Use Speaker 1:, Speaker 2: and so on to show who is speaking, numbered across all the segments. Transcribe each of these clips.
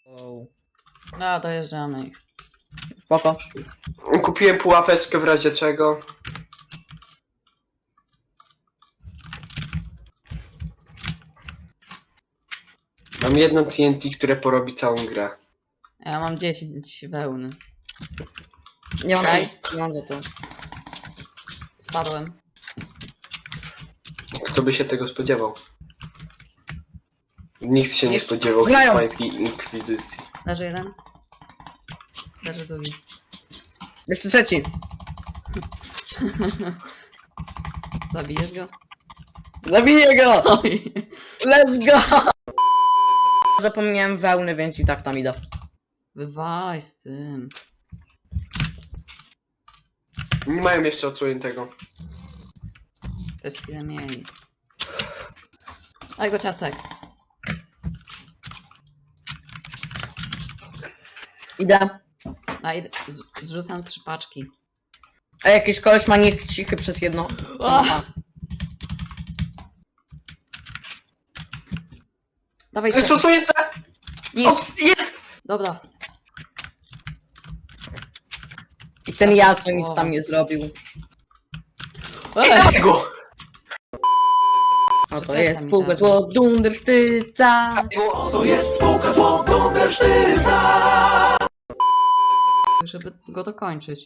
Speaker 1: Wow.
Speaker 2: No, dojeżdżamy ich.
Speaker 1: Spoko.
Speaker 3: Kupiłem pułapeczkę w razie czego. Mam jedno TNT, które porobi całą grę.
Speaker 2: Ja mam 10 wełny.
Speaker 1: Nie mam,
Speaker 2: Czekaj.
Speaker 1: nie mam za to.
Speaker 2: Spadłem.
Speaker 3: Kto by się tego spodziewał? Nikt się nie
Speaker 2: Jeszcze-
Speaker 3: spodziewał
Speaker 1: Grają.
Speaker 3: hiszpańskiej inkwizycji.
Speaker 2: Leży jeden. Leży drugi.
Speaker 1: Jeszcze trzeci.
Speaker 2: Zabijesz go?
Speaker 1: Zabiję go!
Speaker 2: Oj.
Speaker 1: Let's go! Zapomniałem wełny, więc i tak tam idę.
Speaker 2: Wywalaj z tym.
Speaker 3: Nie mają jeszcze odsłoniętego.
Speaker 2: To jest chwilę mieli. Daj go ciastek.
Speaker 1: Idę.
Speaker 2: Daj, zrzucam 3 paczki.
Speaker 1: A jakiś koleś ma niech cichy przez jedno. Co ma?
Speaker 2: Dawaj
Speaker 3: Co
Speaker 2: ciastek.
Speaker 3: odsłonięte?
Speaker 2: Niż.
Speaker 3: O, jest!
Speaker 2: Dobra.
Speaker 1: I ten ja, co nic tam nie zrobił.
Speaker 3: Dawaj go!
Speaker 1: No to
Speaker 2: serca
Speaker 1: jest
Speaker 2: mi
Speaker 1: spółka
Speaker 2: zabrał.
Speaker 1: zło Dundersztyca.
Speaker 4: To jest spółka zło Dundersztyca.
Speaker 2: Żeby go dokończyć.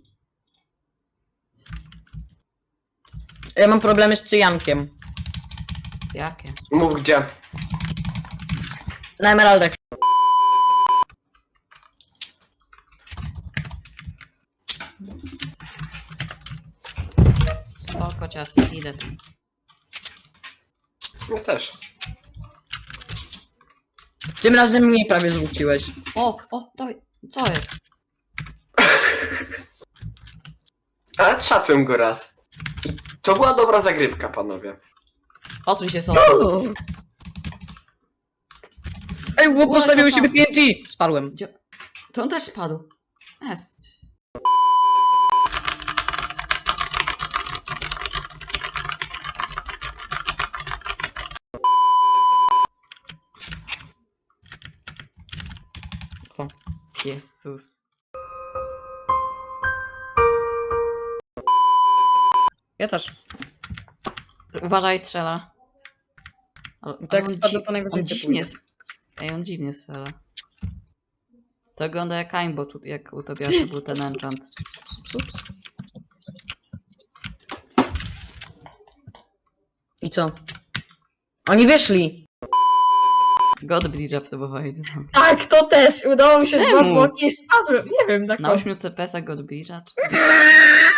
Speaker 1: Ja mam problemy z cyjankiem.
Speaker 2: Jakie?
Speaker 3: Mów gdzie.
Speaker 1: Na emeraldach.
Speaker 2: Spoko ciastek, idę tu.
Speaker 3: Ja też.
Speaker 1: Tym razem mnie prawie zwróciłeś.
Speaker 2: O, dawaj. Co jest?
Speaker 3: Ale szacuję go raz. I to była dobra zagrywka, panowie.
Speaker 2: Odsuń się sobie.
Speaker 1: Ej, bo postawił siebie TNT! Spadłem.
Speaker 2: To on też spadł. Yes.
Speaker 1: O.
Speaker 2: Jezus.
Speaker 1: Ja też.
Speaker 2: Uważaj, strzela. Ale
Speaker 1: Tak
Speaker 2: on
Speaker 1: spada, to najwyżej
Speaker 2: on
Speaker 1: cię
Speaker 2: dziwnie,
Speaker 1: pójdzie.
Speaker 2: Ej, on dziwnie strzela. To wygląda jak Aimbo, tu, jak u Tobiasza był ten enchant.
Speaker 1: Ups. I co? Oni wyszli!
Speaker 2: God Bridge'a próbowałeś zrobić.
Speaker 1: Tak, to też! Udało mi się
Speaker 2: Czemu?
Speaker 1: dwa bloki i spadłem. Nie wiem, tak
Speaker 2: Na 8 CPS-a God Bridge'a? Czy to...